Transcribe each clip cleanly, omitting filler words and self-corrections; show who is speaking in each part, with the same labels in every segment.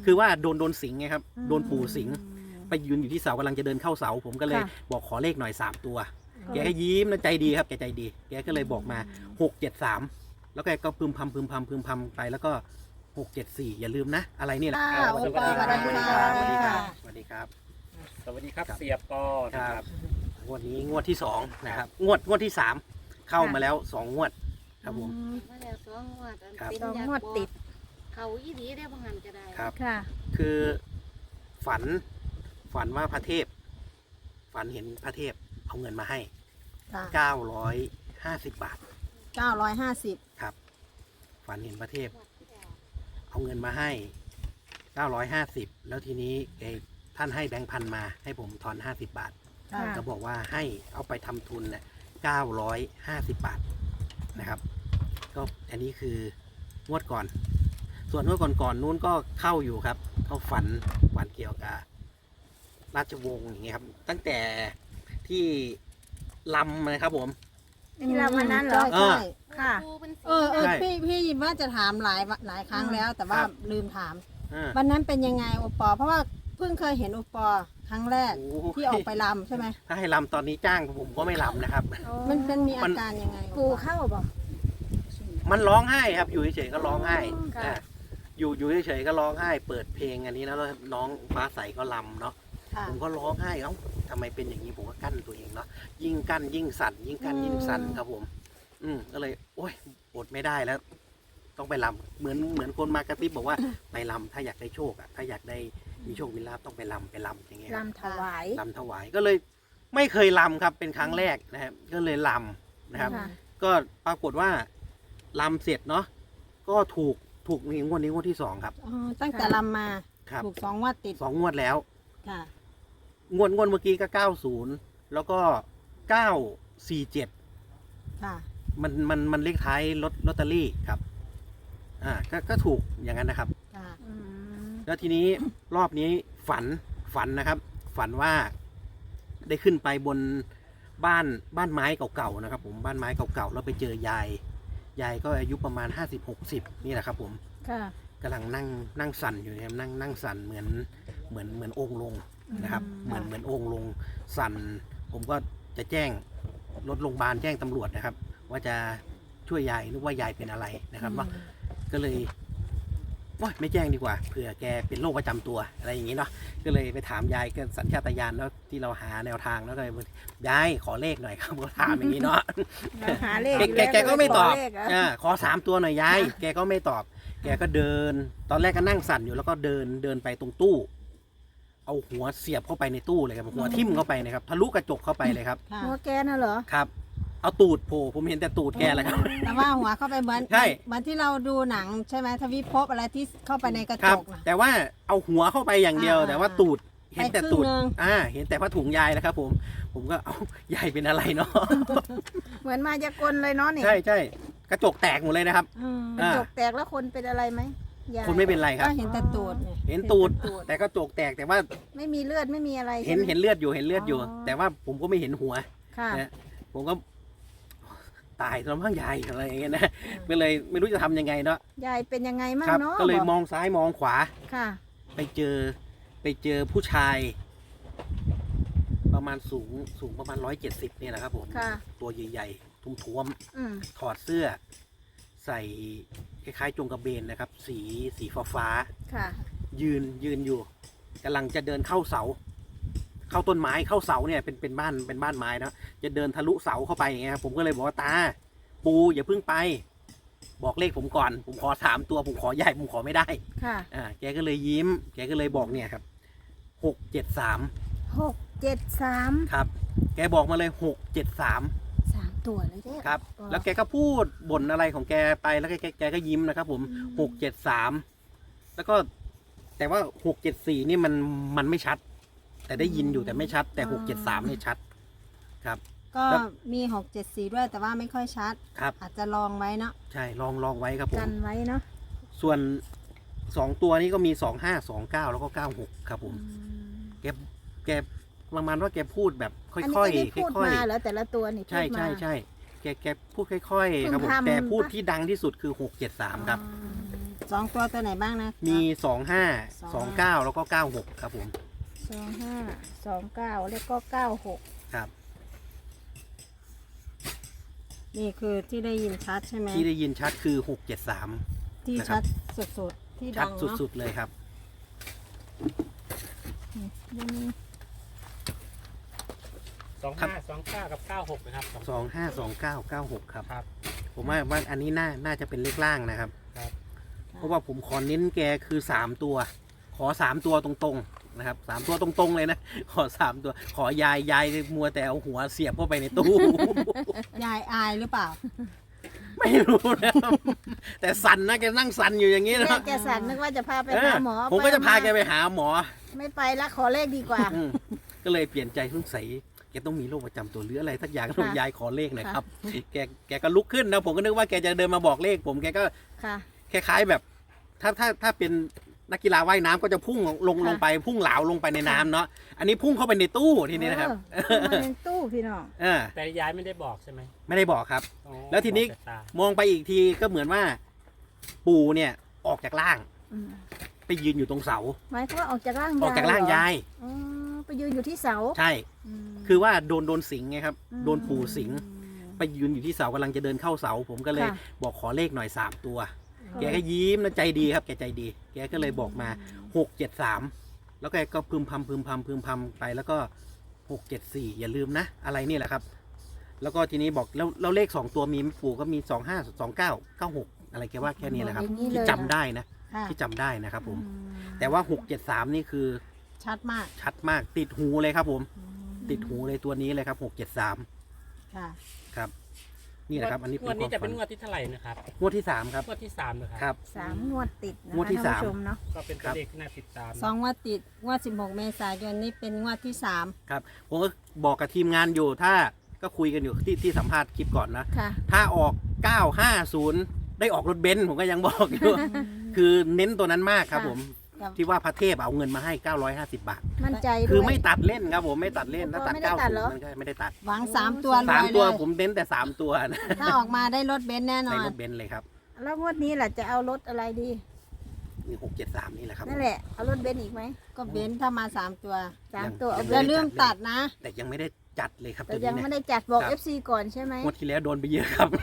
Speaker 1: คือว่าโดนสิงไงครับโดนปู่สิงไปยืนอยู่ที่เสากำลังจะเดินเข้าเสาผมก็เลยบอกขอเลขหน่อย3 ตัวแกก็ยิ้มนะใจดีครับแกใจดีแกก็เลยบอกมา673แล้วแกก็พึมพำไปแล้วก็674อย่าลืมนะอะไรนี่แหละสวัสดีครับสวัสดีครับสวัสดีครับสวัสดีครับ
Speaker 2: สวัสดีครับเสียปอนะครับ
Speaker 1: งวดนี้งวดที่2นะครับงวดที่3เข้ามาแล้ว2 งวดครับผม
Speaker 3: มาแล้ว2 งวด
Speaker 1: ครับ
Speaker 3: เป็น
Speaker 4: 2 งวดติด
Speaker 3: เขาอีดีได้บ่หันก็ได้
Speaker 1: ครับ
Speaker 4: ค่ะ
Speaker 1: คือฝันว่าพระเทพฝันเห็นพระเทพเอาเงินมาให้
Speaker 4: ค่ะ
Speaker 1: 950 บาท
Speaker 4: 950
Speaker 1: ครับฝันเห็นพระเทพเอาเงินมาให้950แล้วทีนี้ท่านให้แบงค์พันมาให้ผมทอน50 บาท
Speaker 4: ค่ะ
Speaker 1: ก็บอกว่าให้เอาไปทำทุนเนี่ย950 บาทนะครับก็อันนี้คืองวดก่อน ส่วนงวดก่อนนู้นก็เข้าอยู่ครับเขาฝันเกี่ยวกับราชวงศ์อย่างเงี้ยครับ ตั้งแต่ที่ลำนะครับผม
Speaker 4: ที่เราวันนั้นเหรอ
Speaker 1: เออ
Speaker 4: ใช่ค่ะ
Speaker 3: ปูเป็นสี
Speaker 1: ใช่
Speaker 4: พี่ว่าจะถามหลายครั้งแล้ว แต่ว่า
Speaker 1: ครับ
Speaker 4: ลืมถาม
Speaker 1: อ่า
Speaker 4: วันนั้นเป็นยังไงโอปอเพราะว่าเพิ่งเคยเห็นโอปอครั้งแรก
Speaker 1: โอ้โห
Speaker 4: ที่ออกไปรำใช่ไหม
Speaker 1: ถ้าให้ลำตอนนี้จ้างผมก็ไม่ลำนะครับ
Speaker 4: มันมีอาการยังไง
Speaker 3: ปูเข้าบ่
Speaker 1: มันร้องไห้ครับอยู่เฉยๆก็ร้องไห้
Speaker 3: ค่ะ
Speaker 1: อ่าอยู่เฉยๆก็ร้องไห้ เปิดเพลงอันนี้นะแล้วน้องฟ้าใสก็ลำเนาะ
Speaker 4: ค่ะ
Speaker 1: ผมก็ร้องไห้เอ้าทำไมเป็นอย่างนี้ผมก็กั้นตัวเองเนาะยิ่งกั้นยิ่งสั่นยิ่งกั้นยิ่งสั่นครับผม ก็เลยโอ๊ยอดไม่ได้แล้ว ต้องไปลำเหมือนคนมากระซิบบอกว่าไปลำถ้าอยากได้โชคถ้าอยากได้มีโชคมีลาภต้องไปลำอย่างเงี้ยครับ
Speaker 4: ลำถวาย
Speaker 1: ลำถวายก็เลยไม่เคยลำครับเป็นครั้งแรกนะครับก็เลยลำนะครับ
Speaker 4: ค่ะ
Speaker 1: ก็ปรากฏว่าลำเสร็จเนาะก็ถูกนี่งวดนี้งวดที่2ครับ
Speaker 4: อ๋อตั้งแต่รำมา
Speaker 1: ครับ
Speaker 4: ถูก2 งวดติด
Speaker 1: 2 งวดแล้ว
Speaker 4: ค่ะ
Speaker 1: งวดเมื่อกี้ก็90แล้วก็947
Speaker 4: ค่ะ
Speaker 1: มันเลขท้ายลอตเตอรี่ครับก็ถูกอย่างนั้นนะครับ
Speaker 4: ค่ะ
Speaker 1: แล้วทีนี้รอบนี้ฝันนะครับ ฝันว่าได้ขึ้นไปบนบ้านไม้เก่าๆนะครับ ผมบ้านไม้เก่าๆแล้วไปเจอยายก็อายุประมาณ50-60นี่แหละครับ ผม
Speaker 4: ค่ะ
Speaker 1: กำลังนั่งสั่นอยู่นะครับนั่งสั่นเหมือนองค์ลงนะครับ เหมือนองค์ลงสั่นผมก็จะแจ้งรถโรงพยาบาลแจ้งตำรวจนะครับ ว่าจะช่วยยายนึกว่ายายเป็นอะไรนะครับว่าก็เลยโอ๊ยไม่แจ้งดีกว่าเผื่อแกเป็นโรคประจำตัวอะไรอย่างนี้เนาะก็เลยไปถามยายก็สัญชาตญาณแล้วที่เราหาแนวทางแล้วก็เลยยายขอเลขหน่อยครับก็ถามอย่างนี้เนาะ
Speaker 4: หาเลข
Speaker 1: แกก็ไม่ตอบ
Speaker 4: เลขเหรอ
Speaker 1: ขอ3 ตัวหน่อยยายแกก็ไม่ตอบ แกก็เดิน ตอนแรกก็นั่งสั่นอยู่แล้วก็เดินไปตรงตู้ เอาหัวเสียบเข้าไปในตู้เลยครับหัวทิ่มเข้าไปนะครับทะลุกระจกเข้าไปเลยครับ
Speaker 4: ค่ะ
Speaker 3: หัวแกน่ะเหรอ
Speaker 1: ครับ เอาตูดโผล่ผมเห็นแต่ตูดแกแหละครับ
Speaker 4: แต่ว่าหัวเข้าไปเหมือน
Speaker 1: ใช่
Speaker 4: เหมือนที่เราดูหนังใช่ไหมทวิภพอะไรที่เข้าไปในกระ
Speaker 1: ค
Speaker 4: จ
Speaker 1: รับ
Speaker 4: กนะ
Speaker 1: แต่ว่าเอาหัวเข้าไปอย่างเดียว แต่ว่าตูดเห็นแต่ตูด
Speaker 4: ไปครึ่งนึง
Speaker 1: เห็นแต่ผ้าถุงยายนะครับ ผมก็เอายายเป็นอะไรเนาะ
Speaker 3: เหมือนมายากลเลยเนาะนี่
Speaker 1: ใช่กระจกแตกหมดเลยนะครับ
Speaker 4: อืม
Speaker 3: กระจกแตกแล้วคนเป็นอะไรไหมยาย
Speaker 1: คนไม่เป็นไรครับ
Speaker 4: ก็เห็นแต่ตูดเนี่ย
Speaker 1: เห็นตูด แต่กระจกแตกแต่ว่า
Speaker 3: ไม่มีเลือดไม่มีอะไร
Speaker 1: เห็น
Speaker 3: ใช่ไม
Speaker 1: เลือดอยู่
Speaker 3: อ๋อ
Speaker 1: แต่ว่าผมก็ไม่เห็นหัว
Speaker 3: ค่ะ
Speaker 1: นะผมก็ตายแล้วมั้งยายอะไรอย่างเงี้ยนะก็เลยไม่รู้จะทำยังไงเนาะ
Speaker 3: ยายเป็นยังไงมั่ง
Speaker 1: ครับ
Speaker 3: เนาะ
Speaker 1: ก็เลย
Speaker 3: บอก
Speaker 1: มองซ้ายมองขวา
Speaker 3: ค่ะ
Speaker 1: ไปเจอผู้ชาย ประมาณสูงประมาณ170เนี่ยนะครับผม
Speaker 3: ค่ะ
Speaker 1: ตัวใหญ่ๆท้วม
Speaker 3: อืม
Speaker 1: ๆถอดเสื้อ ใส่คล้ายๆจงกระเบนนะครับ สีฟ้า
Speaker 3: ค่ะ
Speaker 1: ๆยืนอยู่กำลังจะเดินเข้าเสา เข้าต้นไม้เข้าเสาเนี่ยเป็นบ้านไม้เนาะจะเดินทะลุเสาเข้าไปอย่างเงี้ยครับผมก็เลยบอกว่าตาปูอย่าเพิ่งไป บอกเลขผมก่อน ผมขอ3 ตัวผมขอใหญ่ผมขอไม่ได้
Speaker 3: ค่ะ
Speaker 1: แกก็เลยยิ้ม แกก็เลยบอกเนี่ยครับ673
Speaker 3: 673
Speaker 1: ครับ แกบอกมาเลย673
Speaker 3: 3 ตัวเลยเด้อ
Speaker 1: ครับ แล้วแกก็พูดบ่นอะไรของแกไปแล้วแกก็ยิ้มนะครับผม673แล้วก็แต่ว่า674นี่มันไม่ชัด แต่ได้ยินอยู่แต่ไม่ชัด แต่673นี่ชัด ครับ
Speaker 4: ก็
Speaker 1: ครับ
Speaker 4: มี674ด้วยแต่ว่าไม่ค่อยชัด
Speaker 1: ครับ
Speaker 4: อาจจะลองไว้เนาะ
Speaker 1: ใช่ลองไว้ครับผม
Speaker 3: กันไว้เนาะ
Speaker 1: ส่วน2 ตัวนี้ก็มี2529แล้วก็96ครับผมแกประมาณว่าแกพูดแบบค่
Speaker 3: อันนี้
Speaker 1: อย
Speaker 3: ก็ได้พูด
Speaker 1: ๆค่อย
Speaker 3: มาเหรอแต่ละตัวนี่
Speaker 1: ๆใช่
Speaker 3: พูดมา
Speaker 1: แกพูดค่อยๆครับผม
Speaker 3: เพิ่งทำ
Speaker 1: แต่พูดที่ดังที่สุดคือ673ครับ
Speaker 3: อืม
Speaker 4: 2 ตัวตัวไหนบ้างนะ
Speaker 1: มี25 29แล้วก็96ครับผม
Speaker 3: 25 29แล้วก็ 96
Speaker 1: ครับ
Speaker 4: นี่คือที่ได้ยินชัดใช่ไหม
Speaker 1: ที่ได้ยินชัดคือ673
Speaker 4: ที่
Speaker 1: นะครับ
Speaker 4: ชัดสุดๆที่
Speaker 1: ชั
Speaker 4: ดั
Speaker 1: ด
Speaker 4: งเนาะ
Speaker 1: สุดๆเลยครับ
Speaker 3: ยังมี
Speaker 2: 2529กับ96นะครับ
Speaker 1: 252996ครับ
Speaker 2: ครับ
Speaker 1: ผมว่าอันนี้น่าจะเป็นเลขล่างนะครับ
Speaker 2: ครับ
Speaker 1: เพราะว่าผมขอเน้นแกคือ3ตัว ขอ3ตัวตรงๆนะครับ3ตัวตรงๆเลยนะ ขอ3ตัว ขอยายมัวแต่เอาหัวเสียบเข้าไปในตู้
Speaker 4: ยายอายหรือเปล่า
Speaker 1: ไม่รู้นะครับแต่สั่นนะแกนั่งสั่นอยู่อย่างนี้
Speaker 3: แม่
Speaker 1: นะ
Speaker 3: แกสันนึกว่าจะพาไป
Speaker 1: เอ
Speaker 3: หา
Speaker 1: อ
Speaker 3: หมอ
Speaker 1: ผมก็จะพาแก
Speaker 3: ไป
Speaker 1: ไปหาหมอ
Speaker 3: ไม่ไปละขอเลขดีกว่า
Speaker 1: อืมก็เลยเปลี่ยนใจสงสัยแกต้องมีโรคประจำตัวหรืออะไรสักอย่าง
Speaker 3: ค่ะ
Speaker 1: ยายขอเลขหน่อยครับ แกก็ลุกขึ้นนะผมก็นึกว่าแกจะเดินมาบอกเลข ผมแกก็
Speaker 3: ค่ะ
Speaker 1: คล้ายๆแบบ ถ้าเป็นนักกีฬาว่ายน้ำก็จะพุ่งลง
Speaker 3: ค่ะ
Speaker 1: ลงไปพุ่งเหลาลงไปในน้ำเนาะอันนี้พุ่งเข้าไปในตู้ทีนี้นะครับ
Speaker 3: มาในตู้พี่น้อง
Speaker 1: เออ
Speaker 2: แต่ยายไม่ได้บอกใช่ไหม
Speaker 1: ไม่ได้บอกครับ
Speaker 2: อ๋อ
Speaker 1: แล้วทีนี้
Speaker 2: บอกแต่ตา
Speaker 1: มองไปอีกทีก็เหมือนว่า ปู่เนี่ยออกจากร่าง
Speaker 3: อืม
Speaker 1: ไปยืนอยู่ตรงเสา
Speaker 3: หมายความว่าออกจากร่าง
Speaker 1: ออกจากร่าง
Speaker 3: เห
Speaker 1: ยาย
Speaker 3: อ๋อไปยืนอยู่ที่เสา
Speaker 1: ใช่
Speaker 3: ม
Speaker 1: คือว่าโดนสิงไงครับ
Speaker 3: อืม
Speaker 1: โดนปู่สิงไปยืนอยู่ที่เสากำลังจะเดินเข้าเสา ผมก็เลย
Speaker 3: ค่ะ
Speaker 1: บอกขอเลขหน่อย3ตัว แกก็ยิ้มนะใจดีครับแกใจดี แกก็เลยบอกมา673แล้วแกก็พึมพำไปแล้วก็674อย่าลืมนะ อะไรนี่แหละครับ แล้วก็ทีนี้บอกแล้วเลข2ตัวมีปู่ก็มี25 29 96อะไรแกว่าแค่นี้แหละครับ
Speaker 3: อย่างนี้
Speaker 1: ที่
Speaker 3: เลย
Speaker 1: จำได้นะ
Speaker 4: ค่ะ
Speaker 1: ที่จำได้นะครับผม
Speaker 3: อืม
Speaker 1: แต่ว่า673นี่คือ
Speaker 4: ชัดมาก
Speaker 1: ชัดมากติดหูเลยครับผม ติดหูเลยตัวนี้เลยครับ673
Speaker 4: ค่ะ
Speaker 1: ครับ นี่แหละครับ อันนี้
Speaker 2: งวดนี้จะเป็น
Speaker 1: ง
Speaker 2: งวดที่เท่าไหร่นะครับ
Speaker 1: วดที่3ครับ
Speaker 2: งวดที่3นะครับ
Speaker 1: ครับ
Speaker 3: 3 งวดติดนะ
Speaker 1: งวด
Speaker 3: คะ
Speaker 1: ที่
Speaker 3: ท่าน
Speaker 1: 3
Speaker 3: ผู้ชมเนาะ
Speaker 2: ก็เป็นตัวเลขที่น่าติดตาม
Speaker 4: 2 งวดติด งวด 16 เมษายนนี่เป็นงวดที่
Speaker 1: ครับผมก็บอกกับทีมงานอยู่ถ้าก็คุยกันอยู่ที่สัมภาษณ์คลิปก่อนนะ
Speaker 3: ค่ะ
Speaker 1: ถ้าออก 950 ได้ออกรถเบนซ์ผมก็ยังบอกอยู่ คือเน้นตัวนั้นมากครับ
Speaker 3: ค่ะ
Speaker 1: ผม
Speaker 4: ครับ
Speaker 1: ที่ว่าพระเทพเอาเงินมาให้ 950 บาท
Speaker 3: มั่นใจด้วย
Speaker 1: คือไม่ตัดเล่นครับผมไม่ตัดเล่นถ้าตัด
Speaker 3: ไม่ได้ตัดเหรอ
Speaker 1: 90มันก็ไม่ได้ตัด
Speaker 4: 3 หวัง 3 ตัวรวย
Speaker 1: 3
Speaker 4: เล
Speaker 1: ตัวย ผมเน้นแต่ 3 ตัวนะ
Speaker 4: ถ้าออกมาได้รถเบนซ์แน่นอ
Speaker 1: ใน
Speaker 4: น
Speaker 1: รถเบนซ์เลยครับ
Speaker 3: แล้วงวดนี้ล่ะจะเอารถอะไรดี
Speaker 1: นี่673 นี่แหละครับผม
Speaker 3: นั่นแหละ เอารถเบนซ์อีกไหม
Speaker 4: ก็เบนซ์ถ้ามา 3 ตัว
Speaker 3: 3 ตัว
Speaker 1: ยั
Speaker 3: เอา
Speaker 1: ง
Speaker 3: เบ
Speaker 4: อย่าน
Speaker 3: ซ์
Speaker 4: ลืมตัดนะ
Speaker 1: แต่ยังไม่ได้จัดเลยครับ
Speaker 3: แต่
Speaker 1: ตัว
Speaker 3: ยัง
Speaker 1: นี้
Speaker 3: ไม่
Speaker 1: นะ
Speaker 3: ได้จัดบอก
Speaker 1: ครับ
Speaker 3: FC ก่อนใช่ไหม
Speaker 1: งวดที่แล้วโดนไปเยอะครับ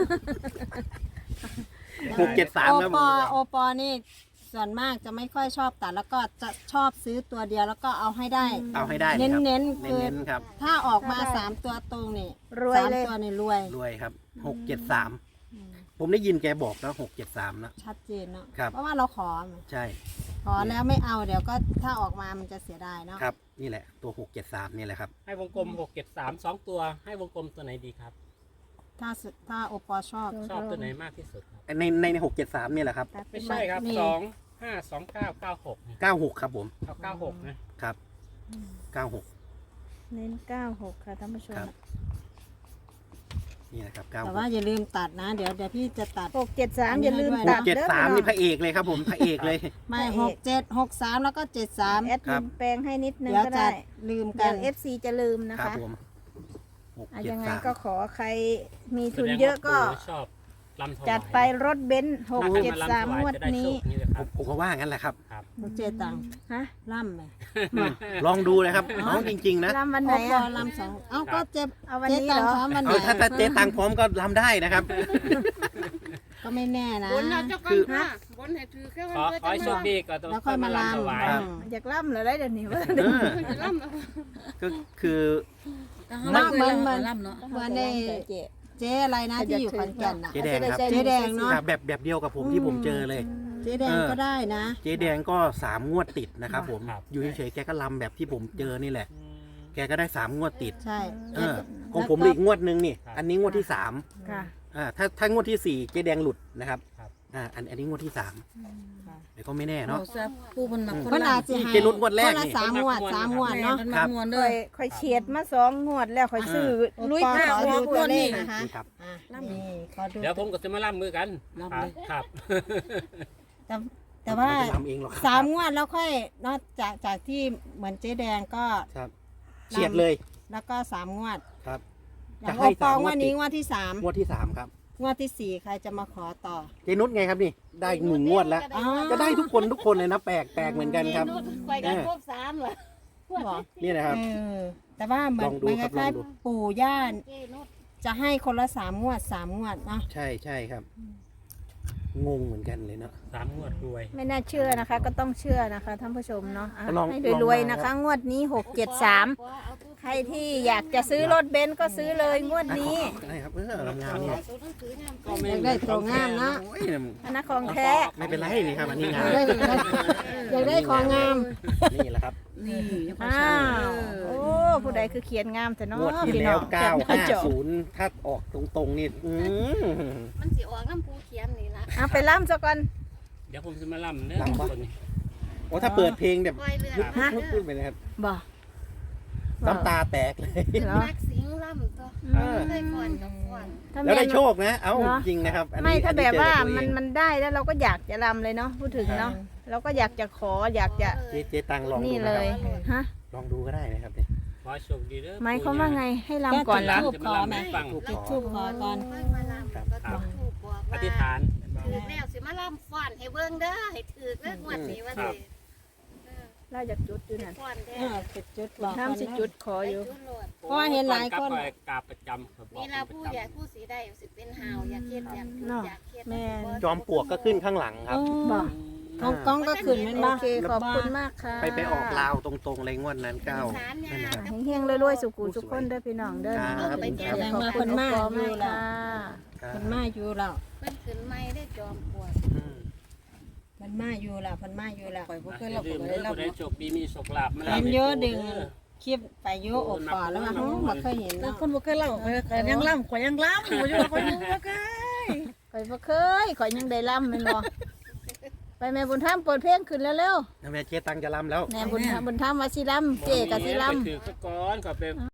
Speaker 4: โอ
Speaker 1: 673ครับ
Speaker 4: ปอโอปอนี่ส่วนมากจะไม่ค่อยชอบตัดแล้วก็จะชอบซื้อตัวเดียวแล้วก็เอาให้ได้
Speaker 1: เอาให้ได้
Speaker 4: เน้น
Speaker 1: ครับ
Speaker 4: เน้นๆคือ
Speaker 1: เน้นๆครับ
Speaker 4: ถ้าออกมา
Speaker 3: ได้
Speaker 4: 3 ตัวตรงนี่
Speaker 3: รวยเลย
Speaker 4: 3 ตัวนี่รวย
Speaker 1: รวยครับ673ผมได้ยินแกบอกแล้ว673นะ
Speaker 4: ชัดเจนเนาะ
Speaker 1: ครับ
Speaker 4: เพราะว่าเราขอ
Speaker 1: ใช่
Speaker 4: ขอแล้วไม่เอาเดี๋ยวก็ถ้าออกมามันจะเสียดายเนาะ
Speaker 1: ครับนี่แหละตัว673นี่แหละครับ
Speaker 2: ให้วงกลม673 2 ตัว ให้วงกลมตัวไหนดีครับ
Speaker 4: ถ้าโอปอชอบ
Speaker 2: ชอบตัวไหนมากที่สุดครับ
Speaker 1: ใน673นี่แหละครับ
Speaker 3: ตัด
Speaker 2: ไม่ใช่ครับ
Speaker 4: นี่
Speaker 2: 2 5 2 9 9 6
Speaker 1: 96ครับผม
Speaker 2: เอา96นะครับ
Speaker 1: 96
Speaker 3: เน้น 96 ค่ะท่านผู้ชม
Speaker 1: ครับ นี่นะครับ
Speaker 4: แต่ว่าอย่าลืมตัดนะ เดี๋ยวพี่จะตัด
Speaker 3: 673 อย่าลืม
Speaker 4: อันนี้
Speaker 3: ตัด
Speaker 4: ด้วย
Speaker 3: เด้อ
Speaker 1: 673นี่พระเอกเลยครับผมพระเอกเลย
Speaker 4: ไม่
Speaker 3: พระเอก
Speaker 4: 67 63 แล้วก็ 73
Speaker 3: แอดมินแปลงให้นิดนึง
Speaker 4: เดี๋ยว
Speaker 3: ก็
Speaker 4: จะ
Speaker 3: ได้
Speaker 4: ลืมกั
Speaker 3: เดี๋ย
Speaker 4: น
Speaker 3: ว FC จะลืมนะ
Speaker 1: ครั
Speaker 3: คะ
Speaker 1: ผม
Speaker 3: ยังไงก็
Speaker 1: 673
Speaker 3: ขอใครมีทุนเยอะก็
Speaker 2: แสดงว่าปู่ชอบลำถวาย
Speaker 3: จัดไปรถเบนซ์
Speaker 2: ถ้าใครมาลำถ
Speaker 3: 673
Speaker 2: วาย
Speaker 3: งวด
Speaker 2: จะได้
Speaker 3: นี้
Speaker 2: โชคนี่เลยค
Speaker 1: ผ
Speaker 2: รับ
Speaker 1: มก็ว่างั้นแหละครับ
Speaker 2: ครับ
Speaker 4: เจตังค์
Speaker 3: ฮะ
Speaker 4: ล่ำไหม
Speaker 1: ลองดูเลยครับน้องจริงๆนะ
Speaker 3: รำวัน
Speaker 4: โอ
Speaker 3: ไหน
Speaker 4: ปอ
Speaker 3: อ่ะ
Speaker 4: ลำสองเอ้าก็เจ็บ
Speaker 3: เอาวัน
Speaker 4: เจ
Speaker 3: นี้
Speaker 4: ตัง
Speaker 3: เหร
Speaker 4: ค์
Speaker 3: อ
Speaker 4: พร้อมวันไหน
Speaker 1: เอาถ้าเจ๊ตังพร้อมก็รำได้นะครับ
Speaker 4: ก็ไม่แน่นะ
Speaker 5: บนน่ะเจ้า
Speaker 1: คื
Speaker 5: กัน
Speaker 1: อ
Speaker 5: ค่ะบนให้ถือแค่วัน
Speaker 2: ขอ
Speaker 5: เพื่อ
Speaker 2: ขอให้โช
Speaker 5: จะ
Speaker 2: คดีก่อน
Speaker 4: แล้วค่อยมา
Speaker 2: ลำถวาย
Speaker 4: ลำ
Speaker 1: ครับ
Speaker 3: อยากล่ำเหรอได้เดี๋ยวนี้ว่า
Speaker 1: เออ
Speaker 5: จะล่ำเอา
Speaker 1: ก็คือ
Speaker 4: มาเหมือน
Speaker 3: เ
Speaker 4: เหมือนในเจ๊อะไรนะที่อยู่ขอนแก่นน่ะ
Speaker 1: เจ๊แดงครับ
Speaker 4: เจ๊แดงเนอะ
Speaker 1: ครับแบบเดียวกับผมที่ผมเจอเลย
Speaker 4: เจ๊แดงก็ได้นะ
Speaker 1: เจ๊แดงก็3 งวดติดนะครับผม
Speaker 2: ครับ
Speaker 1: อยู่เฉยๆแกก็ลำแบบที่ผมเจอนี่แหละ แกก็ได้3 งวดติด
Speaker 4: ใช่
Speaker 1: เออของผมอีกงวดนึงนี่ อันนี้งวดที่ 3
Speaker 3: ค่ะ
Speaker 1: ถ้างวดที่ 4 เจ๊แดงหลุดนะครับ
Speaker 2: ครับ
Speaker 1: อันนี้งวดที่ 3แต่ก็ไม่แน่
Speaker 6: เนาะ
Speaker 1: เนาะ
Speaker 6: ซะผู้มันมา
Speaker 4: คนอาจจะ
Speaker 1: นี่
Speaker 4: ให้
Speaker 1: เจ๊นุชงวดแรก
Speaker 4: คนละ
Speaker 1: นี่
Speaker 4: 3 งวดเนาะ
Speaker 6: มัน
Speaker 1: ครั
Speaker 6: มา
Speaker 1: บ
Speaker 6: มวน
Speaker 3: ค่
Speaker 6: เด้
Speaker 3: อ
Speaker 6: อย
Speaker 3: ค่อยเฉียดมา2 งวดแล้วค่อยซื้อลุย
Speaker 4: ปอ
Speaker 3: ห้า
Speaker 4: ขอ
Speaker 3: หัว
Speaker 4: ดู
Speaker 3: ง
Speaker 4: ตัว
Speaker 3: วด
Speaker 4: เล
Speaker 3: นี้
Speaker 4: ขนะคะ
Speaker 1: นี่ครับ
Speaker 4: อ่ะนี่ขอดู
Speaker 2: เดี๋ยวผมก็จะมาล่ำมือกัน
Speaker 6: ลำเลย
Speaker 2: ครับ
Speaker 4: แต่ว่า
Speaker 1: ไม่ได้ลำเองหรอกครับ
Speaker 4: 3 งวดแล้วค่อยนอกจากที่เหมือนเจ๊แดงก็
Speaker 1: ครับเฉียดเลย
Speaker 4: แล้วก็3 งวด
Speaker 1: ครับ
Speaker 4: อย่าง
Speaker 1: จะ
Speaker 4: โอ
Speaker 1: ให้
Speaker 4: ปอ
Speaker 1: 3
Speaker 4: ง
Speaker 1: งว
Speaker 4: ว
Speaker 1: ด
Speaker 4: ด
Speaker 1: ติ
Speaker 4: นี้
Speaker 1: ด
Speaker 4: งวดที่
Speaker 1: งวดที่ 3 ครับ
Speaker 4: งวดที่สี่ใครจะมาขอต่อ
Speaker 1: เจนุชไงครับนี่ได้หนึ่งงวดแล้ว
Speaker 4: อ๋อ
Speaker 1: ก็ได้ทุกคนเลยนะแปลกเหมือนกันครับ
Speaker 3: ไปกันครบ3เหรอ
Speaker 4: บอก
Speaker 1: นี่นะครับ
Speaker 4: แต่ว่าเหมือน
Speaker 1: ลองดู
Speaker 4: มัน
Speaker 1: ครับ
Speaker 4: คล้าย
Speaker 1: ลองดู
Speaker 4: ๆปู่ย่าจะให้คนละ3 งวด 3 งวดเนาะ
Speaker 1: ใช่ครับ งงเหมือนกันเลยเนาะ
Speaker 2: 3 งวดรวย
Speaker 3: ไม่น่าเชื่อนะคะ ก็ต้องเชื่อนะคะท่านผู้ชมเนาะอ่ะ
Speaker 1: ลอง
Speaker 3: ให้
Speaker 1: ลอง
Speaker 3: รวยๆ
Speaker 1: มา
Speaker 3: นะคะ งวดนี้673ใครที่อยากจะซื้อรถเบนซ์ก็ซื้อเลยงวดนี้
Speaker 1: ได้ครับงามเนี่ย
Speaker 2: ก็ไม่
Speaker 4: อยากได้ตัวงามนะ
Speaker 1: โอ้ย
Speaker 3: อันนั้นของแท้
Speaker 1: ไม่เป็นไรนี่ครับอันนี้งาม
Speaker 4: อยากได้ของงาม
Speaker 1: นี่แหละครับ
Speaker 3: อ้าวโอ้ผู้ใดคือเขียนงามแต่เนาะ
Speaker 1: งวดที่
Speaker 3: พี่
Speaker 1: แล้
Speaker 3: น้
Speaker 1: ว
Speaker 3: องจับหน้าจอ
Speaker 1: 950ถ้าออกตรงๆนี่
Speaker 5: มันสิออกน้ำปูเขียนนี่ละ
Speaker 3: เอาไปล่ำซะก่อน
Speaker 2: เดี๋ยวผมจะมาล่ำเนื้อคนนี้
Speaker 1: โอ้ถ้าเปิดเพลงแบบ
Speaker 5: ปล่อยเรือ
Speaker 1: ยุบ
Speaker 5: ฮะ
Speaker 1: ยุบไปเลยครับ
Speaker 3: บ่
Speaker 1: น้ำตาแตกเลย
Speaker 3: เหรอ
Speaker 5: นักสิงล่ำตัว
Speaker 1: เออ
Speaker 5: เคยก่อนกับก่อน
Speaker 3: ถ้า
Speaker 1: แล้วได้
Speaker 3: ม่น
Speaker 1: โชคนะ เอ้า
Speaker 3: เหรอ
Speaker 1: จริงนะครับอันนี้
Speaker 3: ไม่ถ้าแบบว่า
Speaker 1: อัเจอกับตัวเอง
Speaker 3: มันได้แล้วเราก็อยากจะรำเลยเนาะพูดถึงเนาะเราก็อยากจะขออยากจะ
Speaker 1: เจ๊ตังลองดู
Speaker 3: นี่
Speaker 1: นะ
Speaker 3: เล
Speaker 1: ค
Speaker 3: ย
Speaker 1: รับ
Speaker 3: ฮะ
Speaker 1: ลองดูก็ได้นะครับนี่
Speaker 2: ขอโชคดีเด้อ
Speaker 3: หมายความว่าไงให้รำก่อน
Speaker 4: แล้
Speaker 3: ละ
Speaker 4: ว
Speaker 2: จะมาล่ำให้ฟัง
Speaker 4: จุดทูบขอก่อน
Speaker 5: เพิ่งมาล่ำก็ต้องถูกบอก
Speaker 2: อ
Speaker 5: ว่า
Speaker 2: ธิษฐาน
Speaker 5: ถือแล้วสิมาล่ำฟ้อนให้เบิ่งเด้อให้ถือเลิกงวดนี้ว่าสิ
Speaker 3: เราอยากจุดอยู่นั่น
Speaker 5: ฟ้อนแท้
Speaker 4: จุดบอก
Speaker 3: ห้ามสิจุดขอ
Speaker 5: ไป
Speaker 3: อยู่
Speaker 5: จุดโลด
Speaker 4: เพราะว่าเห็นหลายคน
Speaker 2: กราบประจำครับ
Speaker 5: นี่ละผู้ใหญ่ผู้สีได้สิเป็นหาวอยากเฮ็ดอยากถืออยากเฮ็ด
Speaker 1: จอมปลวกก็ขึ้นข้างหลังครับ
Speaker 3: บอก
Speaker 4: กล้องก็ขึ้นแมัน
Speaker 3: โอ
Speaker 4: บ้า
Speaker 3: เคขอบคุณมากค่ะ
Speaker 1: ไปออกลาวตรงๆเลยงวดนั้นเก้านั่นนะครับ
Speaker 3: เฮงๆรวยๆสุขุสุขคนเด้อพี่น้องเด้อ
Speaker 1: ครับ
Speaker 3: ขอบคุณมากค่ะ
Speaker 4: มันมาอยู่แล้ว
Speaker 5: เพิ่นขึ้นไม่ได้จอมปลวก
Speaker 1: อืม
Speaker 4: มันมาอยู่แล้วมันมาอยู่แล้ว
Speaker 2: อย่าลืมเด้อผู้ใดโชคดีมีโชคลาภมา
Speaker 4: เห็นเยอะดึงคลิปไปเยอะอกป่าแล้วมาบ่เคยเห็น
Speaker 6: แล้ว
Speaker 4: เนาะ
Speaker 6: คนบ่เคยเล่าข่อยยังล่ำข่อยยังล่ำอยู่ข่อยยังบ่เคย
Speaker 3: ข่อยบ่เคยข่อยยังได้ล่ำแม่นบ่ไปแม่บุญธรรมเปิดเพลงขึ้นแล้วเร็ว
Speaker 1: แม่เจ๊ตังจะรำแล้ว
Speaker 3: แม่บุญธรรมว่าสิล่ำเจ๊ก็สิล่ำ
Speaker 2: ไปถือซะก่อนขอไป